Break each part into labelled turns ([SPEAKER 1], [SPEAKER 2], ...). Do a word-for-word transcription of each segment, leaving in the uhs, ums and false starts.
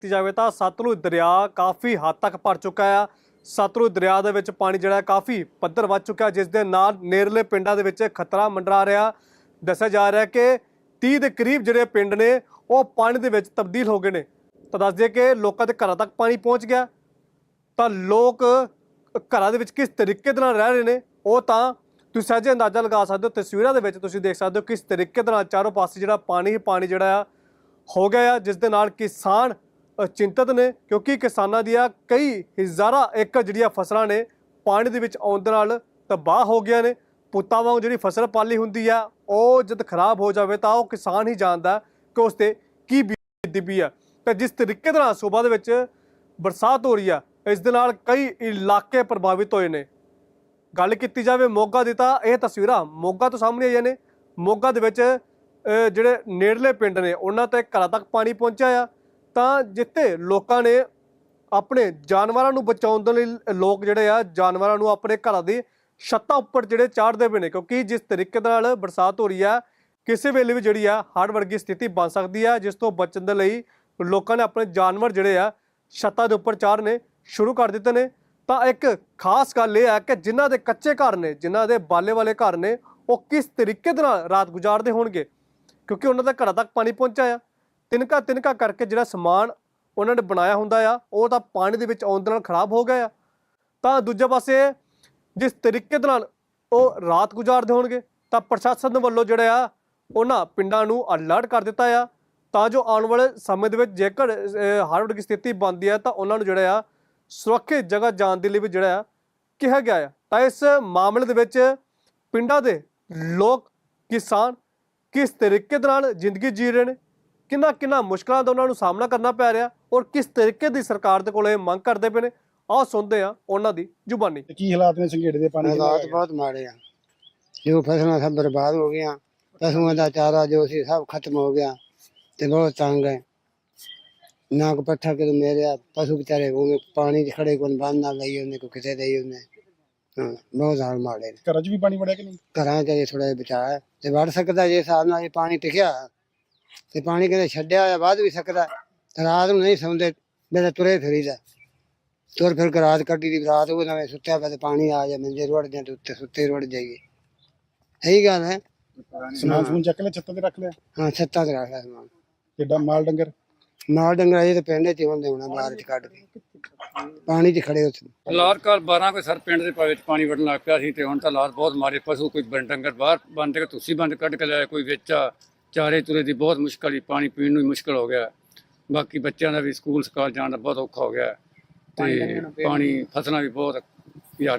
[SPEAKER 1] जाए तो सतलुज दरिया काफ़ी हद तक भर चुका है। सतलुज दरिया दे विच पानी जिहड़ा काफ़ी पद्धर वध चुका है, जिस दे नाल नेड़ले पिंडां दे विच खतरा मंडरा रहा। दस्सिया जा रहा है कि तीह के करीब जिहड़े पिंड ने वो पानी दे विच तब्दील हो गए ने। तो दस दिए कि लोगों के घरों तक पानी पहुँच गया, तो लोग घरों दे विच किस तरीके दे नाल रह रहे हैं वो तो तुसीं सहजे अंदाज़ा लगा सकते हो। तस्वीरां दे विच तुसीं देख सकते हो किस तरीके दे नाल चारों पासे जिहड़ा पानी ही पानी जिहड़ा हो गया, जिस दे नाल किसान चिंतित ने, क्योंकि किसानां दियां कई हज़ारां एकड़ जिहड़ियां फसलां ने पानी दे विच आउण दे नाल तबाह हो गईयां ने। पुत्तां वांग जिहड़ी फसल पाली हुंदी आ ਉਹ जद खराब हो जाए तो वह किसान ही जानता कि उस ते की बीतदी पई है। तो जिस तरीके दे नाल सूबा दे विच बरसात हो रही है, इस दे नाल कई इलाके प्रभावित होए ने। गल कीती जाए मोगा दी तां इह तस्वीरां मोगा तो सामने आईयां ने। मोगा दे विच जिहड़े नेड़ले पिंड ने उन्हां ते घरां तक पानी पहुंचा आ, तां जिथे लोकां ने अपने जानवरां नूं बचाउण दे लई लोक जिहड़े आ जानवरां नूं अपने घरां दी छत्तां उप्पर जिहड़े चाढ़दे पए ने, क्योंकि जिस तरीके दे नाल बरसात हो रही है किसी वेले भी जिहड़ी आ हड़ वर्गी स्थिति बन सकती है, जिस तो बचण दे लई लोकां ने अपने जानवर जिहड़े आ छत्तां दे उप्पर चाढ़ने शुरू कर दित्ते ने। तो एक खास गल यह है कि जिन्हां दे कच्चे घर ने, जिन्हां दे बाले वाले घर ने, वो किस तरीके दे नाल रात गुजारदे होणगे, क्योंकि उन्हां दे घरां तक पानी पहुंचा आ। तिनका तिनका करके जिहड़ा समान उन्हां ने बनाया हुंदा आ वो तां पानी दे विच आउण दे नाल खराब हो गया। तां दूजे पासे जिस तरीके दे नाल ਉਹ ਰਾਤ ਗੁਜ਼ਾਰਦੇ ਹੋਣਗੇ ਤਾਂ ਪ੍ਰਸ਼ਾਸਨ ਵੱਲੋਂ ਜਿਹੜਾ ਆ ਉਹਨਾਂ ਪਿੰਡਾਂ ਨੂੰ ਅਲਰਟ ਕਰ ਦਿੱਤਾ ਆ, ਤਾਂ ਜੋ ਆਉਣ ਵਾਲੇ ਸਮੇਂ ਦੇ ਵਿੱਚ ਜੇਕਰ ਹੜ੍ਹ ਵਰਗੀ ਸਥਿਤੀ ਬਣਦੀ ਹੈ ਤਾਂ ਉਹਨਾਂ ਨੂੰ ਜਿਹੜਾ ਆ ਸੁਰੱਖਿਅਤ ਜਗ੍ਹਾ ਜਾਣ ਦੇ ਲਈ ਵੀ ਜਿਹੜਾ ਆ ਕਿਹਾ ਗਿਆ ਆ। ਤਾਂ ਇਸ ਮਾਮਲੇ ਦੇ ਵਿੱਚ ਪਿੰਡਾਂ ਦੇ ਲੋਕ ਕਿਸਾਨ ਕਿਸ ਤਰੀਕੇ ਦੇ ਨਾਲ ਜ਼ਿੰਦਗੀ ਜੀ ਰਹੇ ਨੇ, ਕਿੰਨਾ ਕਿੰਨਾ ਮੁਸ਼ਕਲਾਂ ਦਾ ਉਹਨਾਂ ਨੂੰ ਸਾਹਮਣਾ ਕਰਨਾ ਪੈ ਰਿਹਾ ਔਰ ਕਿਸ ਤਰੀਕੇ ਦੀ ਸਰਕਾਰ ਦੇ ਕੋਲ ਇਹ ਮੰਗ ਕਰਦੇ ਪਏ ਨੇ, ਆਓ ਸੁਣਦੇ ਆ ਉਹਨਾਂ ਦੀ ਜ਼ੁਬਾਨੀ।
[SPEAKER 2] ਕੀ ਹਾਲਾਤ ਨੇ ਸੰਘੇੜੇ ਦੇ ਪਾਣੀ ਦੇ?
[SPEAKER 3] ਹਾਲਾਤ ਬਹੁਤ ਮਾੜੇ ਆ, ਜੋ ਫਸਲਾਂ ਸਭ ਬਰਬਾਦ ਹੋ ਗਈਆਂ, ਪਸ਼ੂਆਂ ਦਾ ਚਾਰਾ ਜੋ ਸੀ ਸਭ ਖਤਮ ਹੋ ਗਿਆ ਤੇ ਬਹੁਤ ਤੰਗ ਹੈ। ਨਾ ਕੋ ਪੱਠਾ ਕਿ ਮੇਰੇ ਪਸ਼ੂ ਵਿਚਾਰੇ ਉਹ ਪਾਣੀ 'ਚ ਖੜੇ ਕੋਲ ਬੰਨ ਨਾ ਲਈ ਉਹਨੇ ਕੋ ਕਿਤੇ ਦੇਈ ਉਹਨੇ। ਹਾਂ ਬਹੁਤ ਹਾਲ ਮਾੜੇ ਨੇ।
[SPEAKER 2] ਘਰਾਂ 'ਚ ਵੀ ਪਾਣੀ ਵੜਿਆ ਕਿ ਨਹੀਂ?
[SPEAKER 3] ਘਰਾਂ 'ਚ ਜੇ ਥੋੜਾ ਜਿਹਾ ਬਚਾਅ ਤੇ ਵੜ ਸਕਦਾ, ਜੇ ਹਿਸਾਬ ਨਾਲ ਇਹ ਪਾਣੀ ਟਿਕਿਆ ਤੇ ਪਾਣੀ ਕਿਤੇ ਛੱਡਿਆ ਹੋਇਆ ਵੱਧ ਵੀ ਸਕਦਾ। ਰਾਤ ਨੂੰ ਨਹੀਂ ਸੌਂਦੇ, ਮੇਰੇ ਤੁਰੇ ਫਿਰੀਦਾ, ਤੁਰ ਫਿਰ ਕੇ ਰਾਤ ਕੱਢੀ ਦੀ। ਰਾਤ ਉਹ ਨਵੇਂ ਸੁੱਤਿਆ ਪਿਆ ਤੇ ਪਾਣੀ ਆ ਜਾ ਮੰਜੇ ਰੁੜ ਜਾਂ ਤੇ ਉੱਤੇ ਸੁੱਤੇ ਰੁੜ ਜਾਈਏ। ਇਹੀ ਗੱਲ ਹੈ।
[SPEAKER 2] ਸਮਾਨ ਸਮੂਨ ਚੱਕ ਲਿਆ, ਛੱਤਾਂ ਤੇ ਰੱਖ ਲਿਆ?
[SPEAKER 3] ਹਾਂ ਛੱਤਾਂ ਤੇ ਰੱਖ ਲਿਆ ਸਮਾਨ।
[SPEAKER 2] ਕਿੱਡਾ ਮਾਲ ਡੰਗਰ?
[SPEAKER 3] ਮਾਲ ਡੰਗਰ ਇਹ ਤੇ ਪਿੰਡ 'ਚ ਹੁੰਦੇ ਹੋਣਾ, ਬਾਹਰ 'ਚ ਕੱਢ ਕੇ ਪਾਣੀ 'ਚ ਖੜੇ ਉੱਥੇ।
[SPEAKER 4] ਹਾਲਾਤ ਕੱਲ ਬਾਰਾਂ ਕੋਈ ਸਰ ਪਿੰਡ ਦੇ ਵਿੱਚ ਪਾਣੀ ਵੜਨ ਲੱਗ ਪਿਆ ਸੀ ਤੇ ਹੁਣ ਤਾਂ ਹਾਲਾਤ ਬਹੁਤ ਮਾਰੇ। ਪਸ਼ੂ ਕੋਈ ਡੰਗਰ ਬਾਹਰ ਬੰਦ ਕੇ ਤੁਸੀਂ ਬੰਦ ਕੱਢ ਕੇ ਲਿਆ, ਕੋਈ ਵਿੱਚ ਚਾਰੇ ਤੁਰੇ ਦੀ ਬਹੁਤ ਮੁਸ਼ਕਲ ਹੀ, ਪਾਣੀ ਪੀਣ ਨੂੰ ਮੁਸ਼ਕਲ ਹੋ ਗਿਆ। ਬਾਕੀ ਬੱਚਿਆਂ ਦਾ ਵੀ ਸਕੂਲ ਸਕਾਲ ਜਾਣ ਦਾ ਬਹੁਤ ਔਖਾ ਹੋ ਗਿਆ ਤੇ ਪਾਣੀ ਫਸਲਾਂ ਵੀ ਬਹੁਤ ਯਾਰ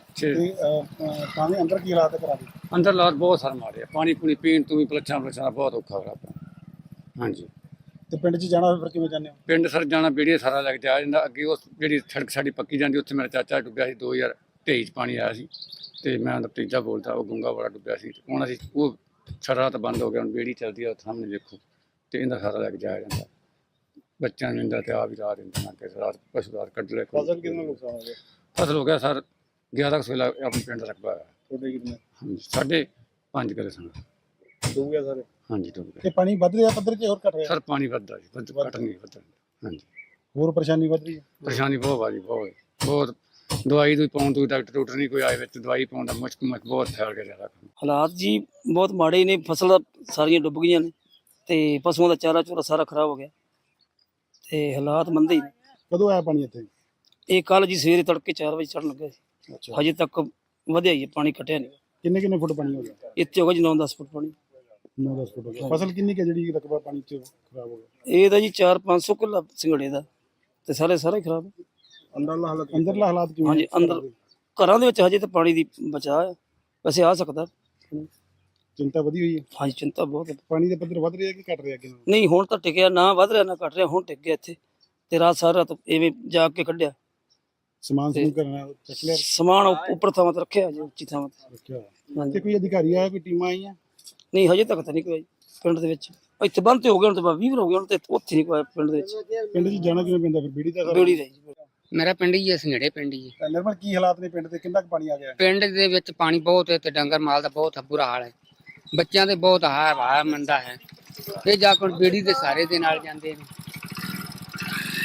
[SPEAKER 2] ਤਾਂ ਅੰਦਰ ਕੀ ਹਾਲਾਤ ਕਰਾ ਦੇ?
[SPEAKER 4] ਅੰਦਰ ਹਾਲਾਤ ਬਹੁਤ ਸਰ ਮਾਰੇ, ਪਾਣੀ ਪੂਣੀ ਪੀਣ ਤੋਂ ਵੀ ਪਲੱਛਾਂ ਪਲੱਛਾਂ ਬਹੁਤ ਔਖਾ ਹੋ ਰਿਹਾ। ਹਾਂਜੀ
[SPEAKER 2] ਤੇ ਪਿੰਡ 'ਚ ਜਾਣਾ ਫਿਰ ਕਿਵੇਂ ਜਾਂਦੇ ਹੋ?
[SPEAKER 4] ਪਿੰਡ ਸਰ ਜਾਣਾ ਬੇੜੀਏ ਸਾਰਾ ਲੱਗ ਜਾ ਜਾਂਦਾ। ਅੱਗੇ ਉਸ ਜਿਹੜੀ ਸੜਕ ਸਾਡੀ ਪੱਕੀ ਜਾਂਦੀ ਉੱਥੇ ਮੇਰਾ ਚਾਚਾ ਡੁੱਬਿਆ ਸੀ, ਦੋ ਹਜ਼ਾਰ ਤੇਈ 'ਚ ਪਾਣੀ ਆਇਆ ਸੀ ਤੇ ਮੈਂ ਉਹਦਾ ਭਤੀਜਾ ਬੋਲਦਾ, ਉਹ ਗੁੰਗਾ ਵਾਲਾ ਡੁੱਬਿਆ ਸੀ। ਹੁਣ ਅਸੀਂ ਉਹ ਸਾਰਾ ਤਾਂ ਬੰਦ ਹੋ ਗਿਆ, ਹੁਣ ਬੇੜੀ ਚੱਲਦੀ ਆ ਸਾਹਮਣੇ ਦੇਖੋ ਤੇ ਇਹਦਾ ਸਾਰਾ ਲੱਗ ਜਾਇਆ ਜਾਂਦਾ। ਬੱਚਿਆਂ ਨੂੰ ਇਹਦਾ ਤੇ ਆ ਵੀ ਰਾਤ ਦਿੰਦੇ ਨਾ ਕਿ ਰਾਤ ਪਸ਼ੂ ਰਾਤ ਕੱਢ ਲੈ।
[SPEAKER 2] ਫਸਲ ਕਿੰਨਾ ਨੁਕਸਾਨ ਹੋ ਗਿਆ?
[SPEAKER 4] ਫਸਲ ਹੋ ਗਿਆ ਸਰ ਗਿਆਰਾਂ ਸੌ ਆਪਣੇ ਪਿੰਡ ਦਾ ਰਕਬਾ ਹੈ।
[SPEAKER 2] ਤੁਹਾਡੇ ਕਿੰਨੇ?
[SPEAKER 4] ਹਾਂਜੀ ਸਾਢੇ ਪੰਜ ਕਿੱਲੇ ਸਨ।
[SPEAKER 2] ਡੁੱਬ ਗਿਆ ਸਾਰੇ?
[SPEAKER 4] ਹਾਂਜੀ ਡੁੱਬ ਗਿਆ।
[SPEAKER 2] ਤੇ ਪਾਣੀ ਵੱਧ ਰਿਹਾ ਪੱਧਰ ਕਿ ਹੋਰ ਘਟ ਰਿਹਾ?
[SPEAKER 4] ਸਰ ਪਾਣੀ ਵੱਧਦਾ ਜੀ, ਵੱਧ ਘਟ ਨਹੀਂ ਵੱਧਦਾ। ਹਾਂਜੀ
[SPEAKER 2] ਹੋਰ ਪਰੇਸ਼ਾਨੀ ਵੱਧ ਰਹੀ ਹੈ?
[SPEAKER 4] ਪਰੇਸ਼ਾਨੀ ਬਹੁਤ ਆ ਜੀ, ਬਹੁਤ ਬਹੁਤ। ਦਵਾਈ ਦੂਈ ਪਾਉਣ ਤੋਂ ਡਾਕਟਰ ਡਾਕਟਰ ਨਹੀਂ ਕੋਈ ਆਏ ਵਿੱਚ, ਦਵਾਈ ਪਾਉਣ ਦਾ ਮੁਸ਼ਕ ਮੁਸ਼ਕ ਬਹੁਤ ਫੈਲ ਗਿਆ ਜ਼ਿਆਦਾ।
[SPEAKER 5] ਹਾਲਾਤ ਜੀ ਬਹੁਤ ਮਾੜੇ ਨੇ, ਫਸਲਾਂ ਸਾਰੀਆਂ ਡੁੱਬ ਗਈਆਂ ਨੇ ਤੇ ਪਸ਼ੂਆਂ ਦਾ ਚਾਰਾ ਚੂਰਾ ਸਾਰਾ ਖਰਾਬ ਹੋ ਗਿਆ ਤੇ ਹਾਲਾਤ ਮੰਦੇ ਹੀ ਨੇ।
[SPEAKER 2] ਕਦੋਂ ਆਇਆ ਪਾਣੀ ਇੱਥੇ?
[SPEAKER 5] ਇਹ ਕੱਲ ਜੀ ਸਵੇਰੇ ਤੜਕੇ ਚਾਰ ਵਜੇ ਚੜ੍ਹਨ ਲੱਗਾ ਸੀ।
[SPEAKER 2] ਅੱਛਾ,
[SPEAKER 5] ਹਜੇ ਤੱਕ ਵਧਿਆ ਹੀ ਹੈ, ਪਾਣੀ ਘਟਿਆ ਨਹੀਂ।
[SPEAKER 2] ਕਿੰਨੇ ਕਿੰਨੇ ਫੁੱਟ ਪਾਣੀ ਹੋ ਗਿਆ?
[SPEAKER 5] ਇੱਥੇ ਹੋ ਗਿਆ ਜੀ ਨੌ ਦਸ ਫੁੱਟ ਪਾਣੀ।
[SPEAKER 2] ਨੌ ਦਸ ਫੁੱਟ ਹੋ ਗਿਆ। ਫਸਲ ਕਿੰਨੀ ਕਿ ਜਿਹੜੀ ਰਕਬਾ ਪਾਣੀ 'ਚ ਖਰਾਬ ਹੋ ਗਿਆ?
[SPEAKER 5] ਇਹ ਤਾਂ ਜੀ ਚਾਰ ਪੰਜ ਸੌ ਕਿੱਲਾ ਸਿੰਗੜੇ ਦਾ ਤੇ ਸਾਰੇ ਸਾਰੇ ਖਰਾਬ।
[SPEAKER 2] ਅੰਦਰਲਾ ਹਾਲਾਤ ਅੰਦਰਲਾ ਹਾਲਾਤ ਕਿਵੇਂ?
[SPEAKER 5] ਹਾਂਜੀ ਅੰਦਰ ਘਰਾਂ ਦੇ ਵਿੱਚ ਹਜੇ ਤਾਂ ਪਾਣੀ ਦੀ ਬਚਾਅ ਹੈ, ਵੈਸੇ ਆ ਸਕਦਾ।
[SPEAKER 2] ਚਿੰਤਾ ਵਧੀ ਹੋਈ ਹੈ?
[SPEAKER 5] ਹਾਂਜੀ ਚਿੰਤਾ ਬਹੁਤ ਹੈ।
[SPEAKER 2] ਪਾਣੀ ਦਾ ਪੱਧਰ ਵੱਧ ਰਿਹਾ ਕਿ ਘਟ ਰਿਹਾ? ਕਿ
[SPEAKER 5] ਨਹੀਂ ਹੁਣ ਤਾਂ ਟਿਕਿਆ, ਨਾ ਵੱਧ ਰਿਹਾ ਨਾ ਘਟ ਰਿਹਾ, ਹੁਣ ਟਿਕ ਗਿਆ ਇੱਥੇ ਤੇ ਰਾਤ ਸਾਰਾ ਰਾਤ ਐਵੇਂ ਜਾ ਕੇ ਕੱਢਿਆ।
[SPEAKER 2] ਸਮਾਨ ਸਮੂਨ ਕਰਨਾ ਚੱਕ ਲਿਆ?
[SPEAKER 5] ਸਮਾਨ ਉੱਪਰ ਥਾਵਾਂ ਤੇ ਰੱਖਿਆ ਜੀ, ਉੱਚੀ ਥਾਵਾਂ ਤੇ
[SPEAKER 2] ਰੱਖਿਆ।
[SPEAKER 5] ਹਾਂਜੀ।
[SPEAKER 2] ਤੇ ਕੋਈ ਅਧਿਕਾਰੀ ਆਇਆ, ਕੋਈ ਟੀਮਾਂ ਆਈਆਂ?
[SPEAKER 5] ਨਹੀਂ ਹਜੇ ਤੱਕ ਤਾਂ ਨਹੀਂ ਕੋਈ ਪਿੰਡ ਦੇ ਵਿੱਚ। ਇੱਥੇ ਬੰਦ ਤੇ ਹੋ ਗਏ ਹੁਣ ਤੇ ਵੀਹ ਹੋ ਗਏ ਹੁਣ ਤੇ ਉੱਥੇ ਨਹੀਂ ਕੋਈ ਪਿੰਡ ਦੇ ਵਿੱਚ।
[SPEAKER 2] ਪਿੰਡ 'ਚ ਜਾਣਾ ਕਿਵੇਂ ਪੈਂਦਾ ਫਿਰ? ਬੀੜੀ ਦਾ
[SPEAKER 5] ਬੇੜੀ ਰਹੀ ਜੀ।
[SPEAKER 6] ਮੇਰਾ ਪਿੰਡ ਹੀ ਹੈ ਸੰਘੇੜੇ ਪਿੰਡ ਹੀ ਹੈ।
[SPEAKER 2] ਨਿਰਮਲ ਕੀ ਹਾਲਾਤ ਨੇ ਪਿੰਡ ਦੇ? ਕਿੰਨਾ ਕੁ ਪਾਣੀ ਆ ਗਿਆ?
[SPEAKER 6] ਪਿੰਡ ਦੇ ਵਿੱਚ ਪਾਣੀ ਬਹੁਤ ਹੈ ਤੇ ਡੰਗਰ ਮਾਲ ਦਾ ਬਹੁਤ ਬੁਰਾ ਹਾਲ ਹੈ। ਬੱਚਿਆਂ ਦੇ ਬਹੁਤ ਹਾਰ ਹਾਰ ਮੰਦਾ ਹੈ। ਇਹ ਜਾ ਕੇ ਬੇੜੀ ਦੇ ਸਾਰੇ ਦੇ ਨਾਲ ਜਾਂਦੇ ਨੇ।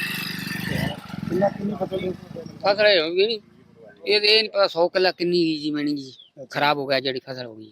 [SPEAKER 2] ਕਿੰਨਾ ਕਿੰਨੀ ਫਸਲ
[SPEAKER 6] ਫਸਲ ਇਹ ਹੋਗੀ ਨਹੀਂ ਇਹ ਇਹ ਨਹੀਂ ਪਤਾ ਸੌ ਕਿੱਲਾ ਕਿੰਨੀ ਗਈ ਜੀ ਮੈਣੀ ਜੀ ਖਰਾਬ ਹੋ ਗਿਆ ਜਿਹੜੀ ਫਸਲ ਹੋ ਗਈ।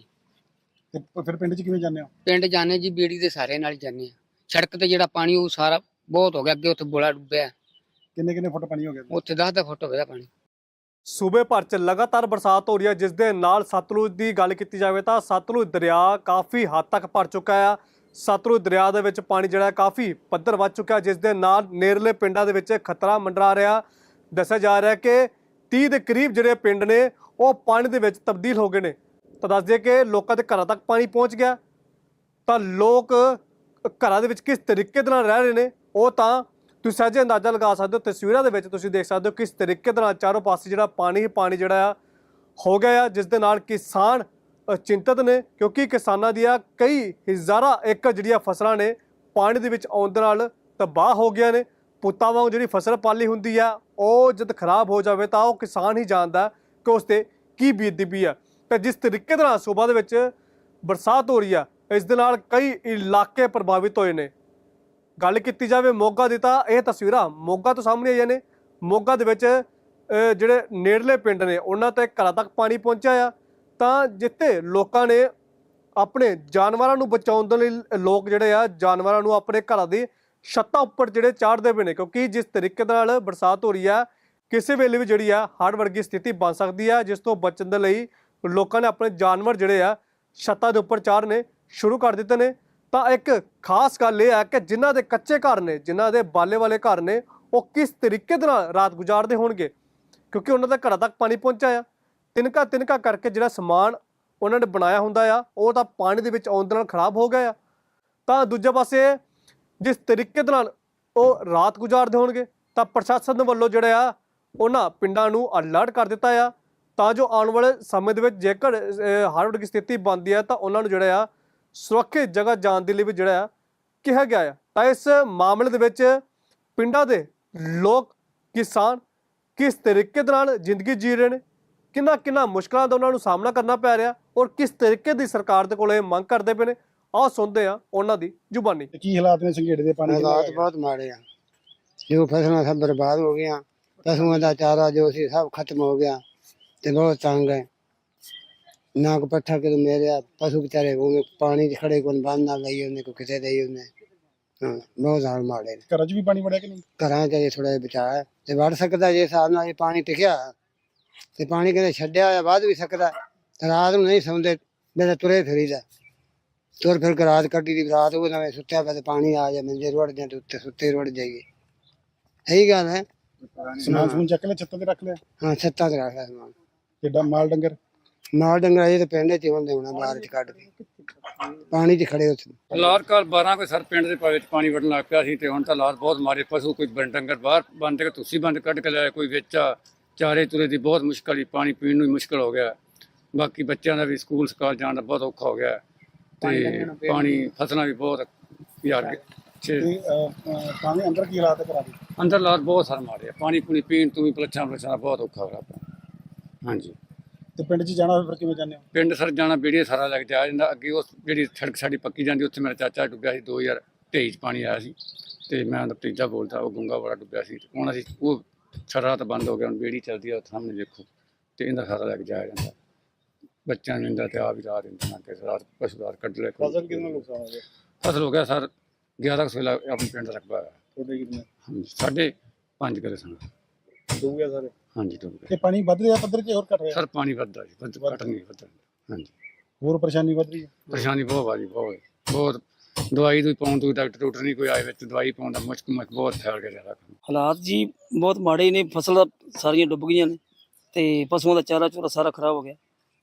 [SPEAKER 2] ਤੇ ਫਿਰ ਪਿੰਡ 'ਚ ਕਿਵੇਂ ਜਾਂਦੇ ਹੋ?
[SPEAKER 6] ਪਿੰਡ ਜਾਣੇ ਜੀ ਬੇੜੀ ਦੇ ਸਾਰੇ ਨਾਲ ਹੀ ਜਾਂਦੇ ਆ। ਸੜਕ ਤੇ ਜਿਹੜਾ ਪਾਣੀ ਉਹ ਸਾਰਾ ਬਹੁਤ ਹੋ ਗਿਆ, ਅੱਗੇ ਉੱਥੇ ਬੋਲਾ ਡੁੱਬਿਆ,
[SPEAKER 2] ਕਿੰਨੇ ਕਿੰਨੇ ਫੁੱਟ ਪਾਣੀ ਹੋ ਗਿਆ?
[SPEAKER 6] ਉੱਥੇ ਦਸ ਦਸ ਫੁੱਟ ਹੋ ਗਿਆ ਪਾਣੀ।
[SPEAKER 1] ਸੂਬੇ ਭਰ 'ਚ ਲਗਾਤਾਰ ਬਰਸਾਤ ਹੋ ਰਹੀ ਹੈ, ਜਿਸ ਦੇ ਨਾਲ ਸਤਲੁਜ ਦੀ ਗੱਲ ਕੀਤੀ ਜਾਵੇ ਤਾਂ ਸਤਲੁਜ ਦਰਿਆ ਕਾਫੀ ਹੱਦ ਤੱਕ ਭਰ ਚੁੱਕਾ ਆ। ਸਤਲੁਜ ਦਰਿਆ ਦੇ ਵਿੱਚ ਪਾਣੀ ਜਿਹੜਾ ਕਾਫੀ ਪੱਧਰ ਵੱਧ ਚੁੱਕਾ, ਜਿਸ ਦੇ ਨਾਲ ਨੇੜਲੇ ਪਿੰਡਾਂ ਦੇ ਵਿੱਚ ਖਤਰਾ ਮੰਡਰਾ ਰਿਹਾ। ਦੱਸਿਆ ਜਾ ਰਿਹਾ ਕਿ ਤੀਹ ਦੇ ਕਰੀਬ ਜਿਹੜੇ ਪਿੰਡ ਨੇ ਉਹ ਪਾਣੀ ਦੇ ਵਿੱਚ ਤਬਦੀਲ ਹੋ ਗਏ ਨੇ। ਤਾਂ ਦੱਸ ਦਈਏ ਕਿ ਲੋਕਾਂ ਦੇ ਘਰਾਂ ਤੱਕ ਪਾਣੀ ਪਹੁੰਚ ਗਿਆ, ਤਾਂ ਲੋਕ ਘਰਾਂ ਦੇ ਵਿੱਚ ਕਿਸ ਤਰੀਕੇ ਦੇ ਨਾਲ ਰਹਿ ਰਹੇ ਨੇ ਉਹ ਤਾਂ ਤੁਸੀਂ ਸਹਿਜੇ ਅੰਦਾਜ਼ਾ ਲਗਾ ਸਕਦੇ ਹੋ। ਤਸਵੀਰਾਂ ਦੇ ਵਿੱਚ ਤੁਸੀਂ ਦੇਖ ਸਕਦੇ ਹੋ ਕਿਸ ਤਰੀਕੇ ਦੇ ਨਾਲ ਚਾਰੋਂ ਪਾਸੇ ਜਿਹੜਾ ਪਾਣੀ ਹੀ ਪਾਣੀ ਜਿਹੜਾ ਆ ਹੋ ਗਿਆ ਆ, ਜਿਸ ਦੇ ਨਾਲ ਕਿਸਾਨ ਅ, ਚਿੰਤਤ ਨੇ, ਕਿਉਂਕਿ ਕਿਸਾਨਾਂ ਦੀਆਂ ਕਈ ਹਜ਼ਾਰਾਂ ਏਕੜ ਜਿਹੜੀਆਂ ਫਸਲਾਂ ਨੇ ਪਾਣੀ ਦੇ ਵਿੱਚ ਆਉਣ ਦੇ ਨਾਲ ਤਬਾਹ ਹੋ ਗਈਆਂ ਨੇ। ਪੁੱਤਾਂ ਵਾਂਗ ਜਿਹੜੀ ਫਸਲ ਪਾਲੀ ਹੁੰਦੀ ਆ ਉਹ ਜਦ ਖਰਾਬ ਹੋ ਜਾਵੇ ਤਾਂ ਉਹ ਕਿਸਾਨ ਹੀ ਜਾਣਦਾ ਕਿ ਉਸ 'ਤੇ ਕੀ ਬੀਤਦੀ ਪਈ ਆ। ਤੇ ਜਿਸ ਤਰੀਕੇ ਦੇ ਨਾਲ ਸੂਬਾ ਦੇ ਵਿੱਚ ਬਰਸਾਤ ਹੋ ਰਹੀ ਆ, ਇਸ ਦੇ ਨਾਲ ਕਈ ਇਲਾਕੇ ਪ੍ਰਭਾਵਿਤ ਹੋਏ ਨੇ। ਗੱਲ ਕੀਤੀ ਜਾਵੇ ਮੋਗਾ ਦੀ ਤਾਂ ਇਹ ਤਸਵੀਰਾਂ ਮੋਗਾ ਤੋਂ ਸਾਹਮਣੇ ਆਈਆਂ ਨੇ। ਮੋਗਾ ਦੇ ਵਿੱਚ ਅ, ਜਿਹੜੇ ਨੇੜਲੇ ਪਿੰਡ ਨੇ ਉਹਨਾਂ ਤੱਕ ਘਰਾਂ ਤੱਕ ਪਾਣੀ ਪਹੁੰਚਿਆ ਆ, ਤਾਂ ਜਿੱਥੇ ਲੋਕਾਂ ਨੇ ਆਪਣੇ ਜਾਨਵਰਾਂ ਨੂੰ ਬਚਾਉਣ ਦੇ ਲਈ ਲੋਕ ਜਿਹੜੇ ਆ ਜਾਨਵਰਾਂ ਨੂੰ ਆਪਣੇ ਘਰਾਂ ਦੀ ਛੱਤਾਂ ਉੱਪਰ ਜਿਹੜੇ ਚਾੜਦੇ ਪਏ ਨੇ, ਕਿਉਂਕਿ ਜਿਸ ਤਰੀਕੇ ਦੇ ਨਾਲ ਬਰਸਾਤ ਹੋ ਰਹੀ ਆ ਕਿਸੇ ਵੇਲੇ ਵੀ ਜਿਹੜੀ ਆ ਹੜ੍ਹ ਵਰਗੀ ਸਥਿਤੀ ਬਣ ਸਕਦੀ ਆ, ਜਿਸ ਤੋਂ ਬਚਣ ਦੇ ਲਈ ਲੋਕਾਂ ਨੇ ਆਪਣੇ ਜਾਨਵਰ ਜਿਹੜੇ ਆ ਛੱਤਾਂ ਦੇ ਉੱਪਰ ਚਾੜਨੇ ਸ਼ੁਰੂ ਕਰ ਦਿੱਤੇ ਨੇ। ਤਾਂ ਇੱਕ ਖਾਸ ਗੱਲ ਇਹ ਹੈ ਕਿ ਜਿਨ੍ਹਾਂ ਦੇ ਕੱਚੇ ਘਰ ਨੇ, ਜਿਨ੍ਹਾਂ ਦੇ ਬਾਲੇ ਵਾਲੇ ਘਰ ਨੇ, ਉਹ ਕਿਸ ਤਰੀਕੇ ਦੇ ਨਾਲ ਰਾਤ ਗੁਜ਼ਾਰਦੇ ਹੋਣਗੇ, ਕਿਉਂਕਿ ਉਹਨਾਂ ਦੇ ਘਰਾਂ ਤੱਕ ਪਾਣੀ ਪਹੁੰਚਿਆ ਆ। ਤਿਨਕਾ ਤਿਨਕਾ ਕਰਕੇ ਜਿਹੜਾ ਸਮਾਨ ਉਹਨਾਂ ਨੇ ਬਣਾਇਆ ਹੁੰਦਾ ਆ ਉਹ ਤਾਂ ਪਾਣੀ ਦੇ ਵਿੱਚ ਆਉਣ ਦੇ ਨਾਲ ਖਰਾਬ ਹੋ ਗਿਆ ਆ। ਤਾਂ ਦੂਜੇ ਪਾਸੇ ਜਿਸ ਤਰੀਕੇ ਦੇ ਨਾਲ ਉਹ ਰਾਤ ਗੁਜ਼ਾਰਦੇ ਹੋਣਗੇ, ਤਾਂ ਪ੍ਰਸ਼ਾਸਨ ਵੱਲੋਂ ਜਿਹੜਾ ਆ ਉਹਨਾਂ ਪਿੰਡਾਂ ਨੂੰ ਅਲਰਟ ਕਰ ਦਿੱਤਾ ਆ, ਤਾਂ ਜੋ ਆਉਣ ਵਾਲੇ ਸਮੇਂ ਦੇ ਵਿੱਚ ਜੇਕਰ ਹੜ੍ਹ ਵਰਗੀ ਸਥਿਤੀ ਬਣਦੀ ਹੈ ਤਾਂ ਉਹਨਾਂ ਨੂੰ ਜਿਹੜਾ ਆ ਸੁਰੱਖਿਅਤ ਜਗ੍ਹਾ ਜਾਣ ਦੇ ਲਈ ਵੀ ਜਿਹੜਾ ਆ ਕਿਹਾ ਗਿਆ ਆ। ਤਾਂ ਇਸ ਮਾਮਲੇ ਦੇ ਵਿੱਚ ਪਿੰਡਾਂ ਦੇ ਲੋਕ ਕਿਸਾਨ ਕਿਸ ਤਰੀਕੇ ਦੇ ਨਾਲ ਜ਼ਿੰਦਗੀ ਜੀ ਰਹੇ ਨੇ, ਕਿੰਨਾ ਕਿੰਨਾ ਮੁਸ਼ਕਲਾਂ ਦਾ ਉਹਨਾਂ ਨੂੰ ਸਾਹਮਣਾ ਕਰਨਾ ਪੈ ਰਿਹਾ, ਔਰ ਕਿਸ ਤਰੀਕੇ ਦੀ ਸਰਕਾਰ ਦੇ ਕੋਲ ਇਹ ਮੰਗ ਕਰਦੇ ਪਏ ਨੇ, ਆਓ ਸੁਣਦੇ ਆ ਉਹਨਾਂ ਦੀ ਜ਼ੁਬਾਨੀ।
[SPEAKER 2] ਤੇ ਕੀ ਹਾਲਾਤ ਨੇ ਸੰਘੇੜੇ ਦੇ ਪਾਣੀ ਦੇ?
[SPEAKER 3] ਹਾਲਾਤ ਬਹੁਤ ਮਾੜੇ ਆ, ਜੋ ਫਸਲਾਂ ਸਭ ਬਰਬਾਦ ਹੋ ਗਈਆਂ, ਪਸ਼ੂਆਂ ਦਾ ਚਾਰਾ ਜੋ ਸੀ ਸਭ ਖਤਮ ਹੋ ਗਿਆ ਤੇ ਬਹੁਤ ਤੰਗ ਹੈ। ਨਾ ਕੋ ਪੱਠਾ ਕਿ ਮੇਰੇ ਪਸ਼ੂ ਵਿਚਾਰੇ ਉਹ ਪਾਣੀ 'ਚ ਖੜੇ ਕੋਲ ਬੰਨ ਨਾ ਲਈ ਉਹਨੇ, ਕੋ ਕਿਤੇ ਦੇਈ ਉਹਨੇ। ਹਾਂ, ਬਹੁਤ ਹਾਲ ਮਾੜੇ ਨੇ।
[SPEAKER 2] ਘਰਾਂ 'ਚ ਵੀ ਪਾਣੀ ਵੜਿਆ ਕਿ ਨਹੀਂ?
[SPEAKER 3] ਘਰਾਂ 'ਚ ਥੋੜਾ ਜਿਹਾ ਬਚਾਅ ਹੈ ਤੇ ਵੜ ਸਕਦਾ ਜੇ ਹਿਸਾਬ ਨਾਲ ਇਹ ਪਾਣੀ ਟਿਕਿਆ ਤੇ ਪਾਣੀ ਕਹਿੰਦੇ ਛੱਡਿਆ ਹੋਇਆ ਵੱਧ ਵੀ ਸਕਦਾ। ਰਾਤ ਨੂੰ ਨਹੀਂ ਸੌਂਦੇ, ਮੇਰੇ ਤੁਰੇ ਫਿਰੀਦਾ, ਤੁਰ ਫਿਰ ਕੇ ਰਾਤ ਕੱਢੀ ਦੀ। ਰਾਤ ਉਹ ਨਵੇਂ ਸੁੱਤਿਆ ਪਿਆ ਤੇ ਪਾਣੀ ਆ ਜਾ ਮੰਜੇ ਰੁੜ ਜਾਂ ਤੇ ਉੱਤੇ ਸੁੱਤੇ ਰੁੜ ਜਾਈਏ। ਇਹੀ ਗੱਲ ਹੈ।
[SPEAKER 2] ਸਮਾਨ ਸਮੂਨ ਚੱਕ ਲਿਆ, ਛੱਤਾਂ ਤੇ ਰੱਖ ਲਿਆ?
[SPEAKER 3] ਹਾਂ, ਛੱਤਾਂ ਤੇ ਰੱਖ ਲਿਆ ਸਮਾਨ।
[SPEAKER 2] ਕਿੱਡਾ ਮਾਲ ਡੰਗਰ?
[SPEAKER 3] ਮਾਲ ਡੰਗਰ ਇਹ ਤੇ ਪਿੰਡ 'ਚ ਹੁੰਦੇ ਹੋਣਾ, ਬਾਹਰ 'ਚ ਕੱਢ ਕੇ ਪਾਣੀ 'ਚ ਖੜੇ ਉੱਥੇ।
[SPEAKER 4] ਹਾਲਾਤ ਕੱਲ ਬਾਰਾਂ ਕੋਈ ਸਰ ਪਿੰਡ ਦੇ ਵਿੱਚ ਪਾਣੀ ਵੜਨ ਲੱਗ ਪਿਆ ਸੀ ਤੇ ਹੁਣ ਤਾਂ ਹਾਲਾਤ ਬਹੁਤ ਮਾਰੇ। ਪਸ਼ੂ ਕੋਈ ਬੰ- ਡੰਗਰ ਬਾਹਰ ਬੰਦ ਕੇ ਤੁਸੀਂ ਬੰਦ ਕੱਢ ਕੇ ਲਿਆ, ਕੋਈ ਵਿੱਚ ਆ, ਚਾਰੇ ਤੁਰੇ ਦੀ ਬਹੁਤ ਮੁਸ਼ਕਲ ਹੀ, ਪਾਣੀ ਪੀਣ ਨੂੰ ਹੀ ਮੁਸ਼ਕਲ ਹੋ ਗਿਆ। ਬਾਕੀ ਬੱਚਿਆਂ ਦਾ ਵੀ ਸਕੂਲ ਸਕਾਲ ਜਾਣ ਦਾ ਬਹੁਤ ਔਖਾ ਹੋ ਗਿਆ ਤੇ ਪਾਣੀ ਫਸਲਾਂ ਵੀ ਬਹੁਤ ਯਾਰ ਛੇ
[SPEAKER 2] ਤੇ ਅਹ, ਅਹ, ਪਾਣੀ ਅੰਦਰ ਕੀ ਹਾਲਾਤ ਹੈ ਘਰਾਂ ਦੇ?
[SPEAKER 4] ਅੰਦਰ ਹਾਲਾਤ ਬਹੁਤ ਸਰ ਮਾਰੇ ਆ। ਪਾਣੀ ਪੂਣੀ ਪੀਣ ਤੋਂ ਵੀ ਪਲੱਛਾਂ ਪਲੱਛਾਂ ਬਹੁਤ ਔਖਾ ਹੋ ਰਿਹਾ। ਹਾਂਜੀ,
[SPEAKER 2] ਤੇ ਪਿੰਡ 'ਚ ਜਾਣਾ ਫਿਰ ਕਿਵੇਂ ਜਾਂਦੇ ਹੋ?
[SPEAKER 4] ਪਿੰਡ ਸਰ ਜਾਣਾ ਬੇੜੀਏ ਸਾਰਾ ਲੱਗ ਜਾ ਜਾਂਦਾ। ਅੱਗੇ ਉਹ ਜਿਹੜੀ ਸੜਕ ਸਾਡੀ ਪੱਕੀ ਜਾਂਦੀ ਉੱਥੇ ਮੇਰਾ ਚਾਚਾ ਡੁੱਬਿਆ ਸੀ, ਦੋ ਹਜ਼ਾਰ ਤੇਈ 'ਚ ਪਾਣੀ ਆਇਆ ਸੀ ਤੇ ਮੈਂ ਉਹਦਾ ਭਤੀਜਾ ਬੋਲਦਾ, ਉਹ ਗੁੰਗਾ ਵਾਲਾ ਡੁੱਬਿਆ ਸੀ। ਹੁਣ ਅਸੀਂ ਉਹ ਸਾਰਾ ਤਾਂ ਬੰਦ ਹੋ ਗਿਆ, ਹੁਣ ਬੇੜੀ ਚੱਲਦੀ ਆ ਸਾਹਮਣੇ ਦੇਖੋ, ਤੇ ਇਹਦਾ ਸਾਰਾ ਲੱਗ ਜਾਇਆ ਜਾਂਦਾ। ਬੱਚਿਆਂ ਨੂੰ ਇਹਦਾ ਤੇ ਆ ਵੀ ਰਾਤ ਇੰਨਾ ਕਿ ਰਾਤ ਪਸ਼ੂ ਰਾਤ ਕੱਢ ਲੈ।
[SPEAKER 2] ਫਸਲ ਕਿੰਨਾ ਨੁਕਸਾਨ ਹੋ ਗਿਆ?
[SPEAKER 4] ਫਸਲ ਹੋ ਗਿਆ ਸਰ ਗਿਆਰਾਂ ਸੌ ਆਪਣੇ ਪਿੰਡ ਦਾ ਰਕਬਾ ਹੈ।
[SPEAKER 2] ਤੁਹਾਡੇ ਕਿੰਨੇ?
[SPEAKER 4] ਹਾਂਜੀ, ਸਾਢੇ ਪੰਜ ਕਿੱਲੇ ਸਨ।
[SPEAKER 2] ਡੁੱਬ ਗਿਆ ਸਾਰੇ?
[SPEAKER 4] ਹਾਂਜੀ ਡੁੱਬ
[SPEAKER 2] ਤੇ
[SPEAKER 4] ਗਿਆ
[SPEAKER 2] ਪਾਣੀ ਵੱਧ ਰਿਹਾ ਪੱਧਰ ਕਿ ਹੋਰ ਘਟ ਰਿਹਾ?
[SPEAKER 4] ਸਰ, ਪਾਣੀ ਵੱਧਦਾ ਜੀ, ਵੱਧ ਘਟ ਨਹੀਂ ਵੱਧਦਾ। ਹਾਂਜੀ,
[SPEAKER 2] ਹੋਰ ਪਰੇਸ਼ਾਨੀ ਵੱਧ ਰਹੀ ਹੈ?
[SPEAKER 4] ਪਰੇਸ਼ਾਨੀ ਬਹੁਤ ਆ ਜੀ, ਬਹੁਤ ਬਹੁਤ। ਦਵਾਈ ਦੂਈ ਪਾਉਣ ਤੋਂ ਡਾਕਟਰ ਡਾਕਟਰ ਨਹੀਂ ਕੋਈ ਆਏ ਵਿੱਚ, ਦਵਾਈ ਪਾਉਣ ਦਾ ਮੁਸ਼ਕ ਮੁਸ਼ਕ ਬਹੁਤ ਫੈਲ ਗਿਆ ਜ਼ਿਆਦਾ।
[SPEAKER 5] ਹਾਲਾਤ ਜੀ ਬਹੁਤ ਮਾੜੇ ਨੇ, ਫਸਲਾਂ ਸਾਰੀਆਂ ਡੁੱਬ ਗਈਆਂ ਨੇ ਤੇ ਪਸ਼ੂਆਂ ਦਾ ਚਾਰਾ ਚੂਰਾ ਸਾਰਾ ਖਰਾਬ ਹੋ ਗਿਆ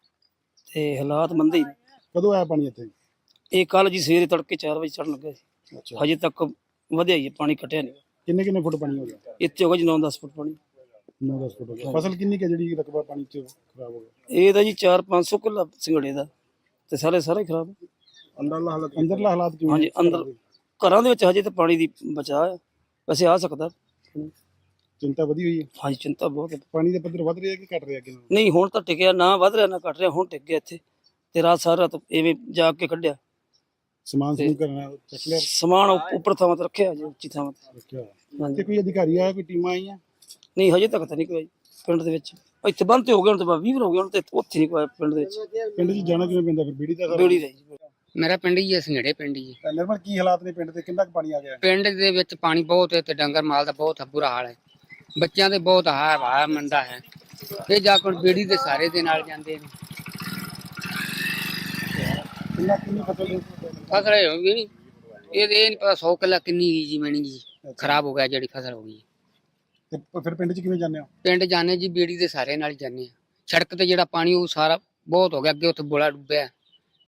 [SPEAKER 5] ਤੇ ਹਾਲਾਤ ਮੰਦੇ ਹੀ ਨੇ।
[SPEAKER 2] ਕਦੋਂ ਆਇਆ ਪਾਣੀ ਇੱਥੇ?
[SPEAKER 5] ਇਹ ਕੱਲ ਜੀ ਸਵੇਰੇ ਤੜਕੇ ਚਾਰ ਵਜੇ ਚੜ੍ਹਨ ਲੱਗਾ ਸੀ,
[SPEAKER 2] ਅੱਛਾ,
[SPEAKER 5] ਹਜੇ ਤੱਕ ਵਧਿਆ ਹੀ ਹੈ, ਪਾਣੀ ਘਟਿਆ ਨਹੀਂ।
[SPEAKER 2] ਕਿੰਨੇ ਕਿੰਨੇ ਫੁੱਟ ਪਾਣੀ ਹੋ ਗਿਆ?
[SPEAKER 5] ਇੱਥੇ ਹੋ ਗਿਆ ਜੀ ਨੌ ਦਸ ਫੁੱਟ ਪਾਣੀ।
[SPEAKER 2] ਨੌ ਦਸ ਫੁੱਟ ਹੋ ਗਿਆ। ਫਸਲ ਕਿੰਨੀ ਕੁ ਹੈ ਜਿਹੜੀ ਰਕਬਾ ਪਾਣੀ 'ਚ ਖਰਾਬ ਹੋ ਗਿਆ?
[SPEAKER 5] ਇਹ ਤਾਂ ਜੀ ਚਾਰ ਪੰਜ ਸੌ ਕਿੱਲਾ ਸਿੰਗੜੇ ਦਾ ਤੇ ਸਾਰੇ ਸਾਰਾ ਹੀ ਖਰਾਬ।
[SPEAKER 2] ਅੰਦਰਲਾ ਹਾਲਾਤ ਅੰਦਰਲਾ ਹਾਲਾਤ ਕਿਵੇਂ?
[SPEAKER 5] ਹਾਂਜੀ, ਅੰਦਰ ਘਰਾਂ ਦੇ ਵਿੱਚ ਹਜੇ ਤਾਂ ਪਾਣੀ ਦੀ ਬਚਾਅ ਹੈ, ਵੈਸੇ ਆ ਸਕਦਾ।
[SPEAKER 2] ਚਿੰਤਾ ਵਧੀ ਹੋਈ ਹੈ?
[SPEAKER 5] ਹਾਂਜੀ, ਚਿੰਤਾ ਬਹੁਤ ਹੈ।
[SPEAKER 2] ਪਾਣੀ ਦਾ ਪੱਧਰ ਵੱਧ ਰਿਹਾ ਕਿ ਘਟ ਰਿਹਾ ਅੱਗੇ ਨਾਲੋਂ?
[SPEAKER 5] ਨਹੀਂ, ਹੁਣ ਤਾਂ ਟਿਕਿਆ, ਨਾ ਵੱਧ ਰਿਹਾ ਨਾ ਘਟ ਰਿਹਾ, ਹੁਣ ਟਿਕ ਗਿਆ ਇੱਥੇ ਤੇ ਰਾਤ ਸਾਰਾ ਤਾਂ ਐਵੇਂ ਜਾਗ ਕੇ ਕੱਢਿਆ।
[SPEAKER 2] ਸਮਾਨ ਸਮੂਨ ਕਰਨਾ ਚੱਕ ਲਿਆ?
[SPEAKER 5] ਸਮਾਨ ਉੱਪ- ਉੱਪਰ ਥਾਵਾਂ ਤੇ ਰੱਖਿਆ ਜੀ, ਉੱਚੀ ਥਾਵਾਂ ਤੇ।
[SPEAKER 2] ਰੱਖਿਆ ਹੋਇਆ।
[SPEAKER 5] ਹਾਂਜੀ,
[SPEAKER 2] ਤੇ ਕੋਈ ਅਧਿਕਾਰੀ ਆਇਆ, ਕੋਈ ਟੀਮਾਂ ਆਈਆਂ?
[SPEAKER 5] ਨਹੀਂ ਹਜੇ ਤੱਕ ਤਾਂ ਨਹੀਂ ਕੋਈ ਪਿੰਡ ਦੇ ਵਿੱਚ। ਇੱਥੇ ਬੰਦ ਤੇ ਹੋ ਗਏ ਹੁਣ ਤੇ ਵੀਹ ਹੋ ਗਏ ਹੁਣ ਤੇ ਉੱਥੇ ਨਹੀਂ ਕੋਈ ਪਿੰਡ ਦੇ ਵਿੱਚ।
[SPEAKER 2] ਪਿੰਡ 'ਚ ਜਾਣਾ ਕਿਵੇਂ ਪੈਂਦਾ ਫਿਰ ਬੀੜੀ ਦਾ ਸਾਰਾ?
[SPEAKER 5] ਬੇੜੀ ਦਾ ਜੀ।
[SPEAKER 6] ਮੇਰਾ ਪਿੰਡ ਹੀ ਹੈ ਸੰਘੇੜੇ ਪਿੰਡ ਹੀ ਹੈ।
[SPEAKER 2] ਤਾਂ ਨਿਰਮਲ ਕੀ ਹਾਲਾਤ ਨੇ ਪਿੰਡ ਦੇ, ਕਿੰਨਾ ਕੁ ਪਾਣੀ ਆ ਗਿਆ?
[SPEAKER 6] ਪਿੰਡ ਦੇ ਵਿੱਚ ਪਾਣੀ ਬਹੁਤ ਹੈ ਤੇ ਡੰਗਰ ਮਾਲ ਦਾ ਬਹੁਤ ਬੁਰਾ ਹਾਲ ਹੈ। ਬੱਚਿਆਂ ਦੇ ਬਹੁਤ ਹਾਰ ਹਾਰ ਮੰਦਾ ਹੈ। ਇਹ ਜਾ ਕੇ ਬੇੜੀ ਦੇ ਸਾਰੇ ਦੇ ਨਾਲ ਜਾਂਦੇ ਨੇ।
[SPEAKER 2] ਕਿੰਨਾ ਕਿੰਨੀ ਫਸਲ
[SPEAKER 6] ਫਸਲ ਇਹ ਹੋਈ ਨਹੀਂ, ਇਹ ਇਹ ਨਹੀਂ ਪਤਾ ਸੌ ਕਿੱਲਾ ਕਿੰਨੀ ਗਈ ਜੀ ਮੈਣੀ ਜੀ, ਖਰਾਬ ਹੋ ਗਿਆ ਜਿਹੜੀ ਫਸਲ ਹੋ ਗਈ।
[SPEAKER 2] ਤੇ ਫਿਰ ਪਿੰਡ 'ਚ ਕਿਵੇਂ ਜਾਂਦੇ ਹੋ?
[SPEAKER 6] ਪਿੰਡ ਜਾਣੇ ਜੀ ਬੇੜੀ ਦੇ ਸਾਰੇ ਨਾਲ ਹੀ ਜਾਂਦੇ ਆ। ਸੜਕ ਤੇ ਜਿਹੜਾ ਪਾਣੀ ਉਹ ਸਾਰਾ ਬਹੁਤ ਹੋ ਗਿਆ, ਅੱਗੇ ਉੱਥੇ ਬੋਲਾ ਡੁੱਬਿਆ।